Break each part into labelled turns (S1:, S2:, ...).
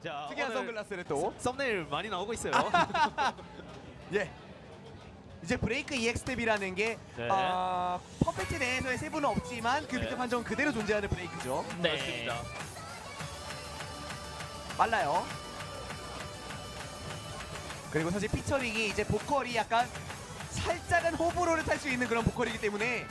S1: 자,
S2: 특이한
S1: 오늘
S2: 선글라스를 또.
S1: 썸네일 많이 나오고 있어요.
S2: 예. 이제 브레이크 EX탭이라는 게
S1: 네.
S2: 퍼펙트 내에서의 세부는 없지만 그 밑에
S1: 네.
S2: 판정은 그대로 존재하는 브레이크죠.
S3: 네.
S1: 그렇습니다.
S2: 빨라요. 그리고 사실 피처링이 이제 보컬이 약간 살짝은 호불호를 탈 수 있는 그런 보컬이기 때문에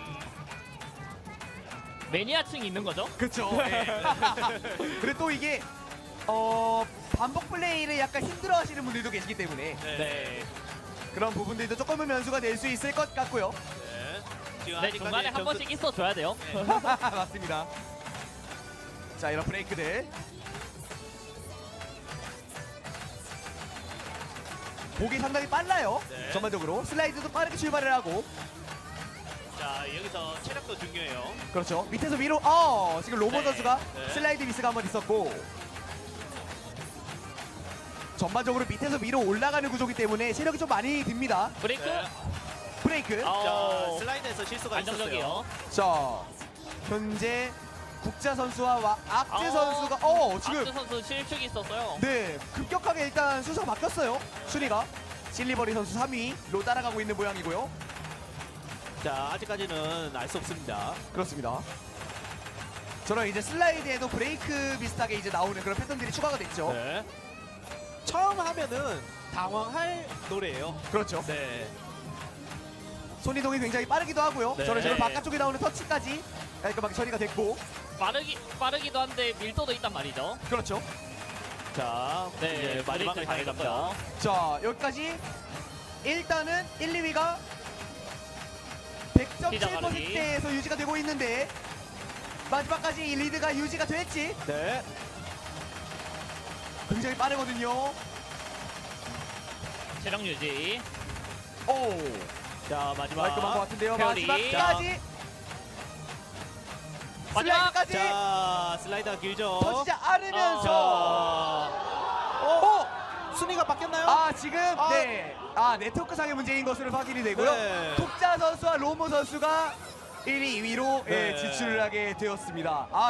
S3: 매니아층이 있는 거죠?
S2: 그쵸. 그리고 또 이게 반복 플레이를 약간 힘들어하시는 분들도 계시기 때문에
S3: 네.
S2: 그런 부분들도 조금은 변수가 될 수 있을 것 같고요.
S1: 네. 지금
S3: 네,
S1: 아직까지
S3: 중간에 한 번씩 있어줘야 돼요.
S2: 맞습니다. 자, 이런 브레이크들 보기 상당히 빨라요.
S1: 네.
S2: 전반적으로 슬라이드도 빠르게 출발을 하고
S1: 자, 여기서 체력도 중요해요.
S2: 그렇죠. 밑에서 위로 지금 로보
S3: 네.
S2: 선수가
S1: 네.
S2: 슬라이드 미스가 한번 있었고 전반적으로 밑에서 위로 올라가는 구조기 때문에 체력이 좀 많이 듭니다.
S3: 브레이크.
S1: 네.
S2: 브레이크.
S1: 자, 슬라이드에서 실수가 있었어요.
S3: 안정적이에요.
S2: 자, 현재 국자 선수와 악재
S3: 아.
S2: 선수가 지금
S3: 악주 선수 실축이 있었어요.
S2: 네, 급격하게 일단 순서가 바뀌었어요. 순위가 실리버리 선수 3위로 따라가고 있는 모양이고요.
S1: 자, 아직까지는 알 수 없습니다.
S2: 그렇습니다. 저런 이제 슬라이드에도 브레이크 비슷하게 이제 나오는 그런 패턴들이 추가가 됐죠.
S1: 네. 처음 하면은 당황할 노래예요.
S2: 그렇죠.
S1: 네.
S2: 손이동이 굉장히 빠르기도 하고요.
S1: 네.
S2: 저런 식으로 바깥쪽에 나오는 터치까지 깔끔하게 처리가 됐고.
S3: 빠르기도 한데 밀도도 있단 말이죠.
S2: 그렇죠.
S1: 자,
S3: 네,
S1: 이제 마지막을
S3: 브레이크
S1: 향해
S3: 잘했고요.
S1: 갑니다.
S2: 자, 여기까지 일단은 1, 2위가 100.7%대에서 유지가 되고 있는데 마지막까지 이 리드가 유지가 될지
S1: 네.
S2: 굉장히 빠르거든요.
S3: 체력 유지.
S2: 오,
S1: 자, 마지막.
S2: 깔끔한 것 같은데요.
S3: 페어리.
S2: 마지막까지
S3: 마지막.
S2: 슬라이드까지
S1: 자, 슬라이드가 길죠.
S2: 터지지 않으면서
S1: 순위가 바뀌었나요?
S2: 지금
S1: 아.
S2: 네, 네트워크상의 문제인 것으로 확인이 되고요.
S1: 네.
S2: 톡자 선수와 로모 선수가 1위, 2위로
S1: 네.
S2: 지출을 하게 되었습니다.